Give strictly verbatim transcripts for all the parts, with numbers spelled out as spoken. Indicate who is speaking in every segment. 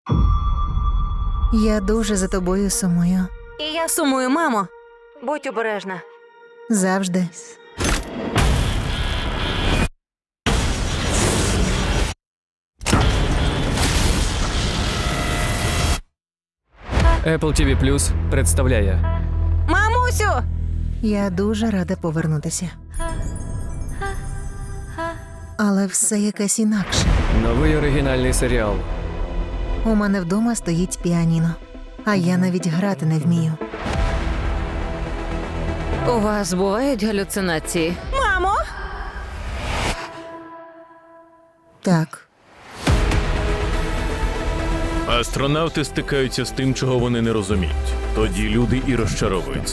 Speaker 1: Я дуже за тобою сумую.
Speaker 2: І я сумую, мамо. Будь обережна.
Speaker 1: Завжди.
Speaker 3: Apple ті ві Плюс представляє
Speaker 2: Мамусю!
Speaker 1: Я дуже рада повернутися. Але все якесь інакше.
Speaker 3: новий оригінальний серіал.
Speaker 1: У мене вдома стоїть піаніно, а я навіть грати не вмію.
Speaker 2: У вас бувають галюцинації? Мамо!
Speaker 1: Так,
Speaker 4: Астронавти стикаються з тим, чого вони не розуміють. Тоді люди і розчаровуються.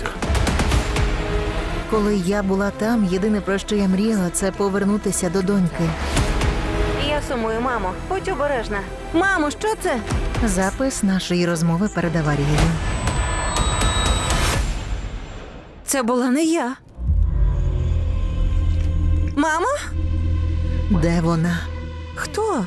Speaker 1: коли я була там, єдине, про що я мріяла, це повернутися до доньки.
Speaker 2: Я сумую, мамо. Будь обережна. Мамо, що це?
Speaker 1: Запис нашої розмови перед аварією.
Speaker 2: Це була не я. Мамо?
Speaker 1: Де вона?
Speaker 2: Хто?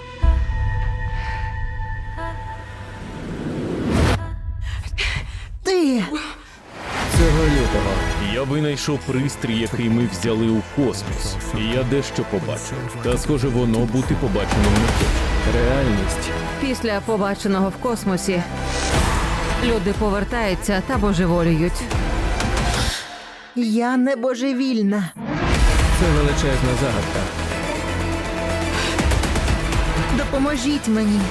Speaker 1: Ти!
Speaker 3: Цього лютого.
Speaker 4: Я винайшов пристрій, який ми взяли у космос. І я дещо побачив. Та, схоже, воно бути побаченим не хоче.
Speaker 3: Реальність.
Speaker 2: Після побаченого в космосі люди повертаються та божеволіють.
Speaker 1: Я не божевільна.
Speaker 3: Це величезна загадка.
Speaker 1: Допоможіть мені.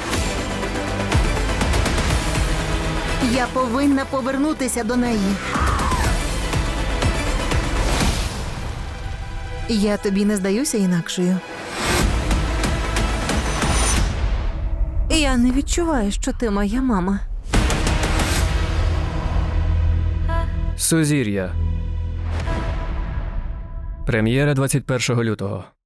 Speaker 1: Я повинна повернутися до неї. Я тобі не здаюся інакшою.
Speaker 2: Я не відчуваю, що ти моя мама.
Speaker 3: Сузір'я. Прем'єра двадцять першого лютого.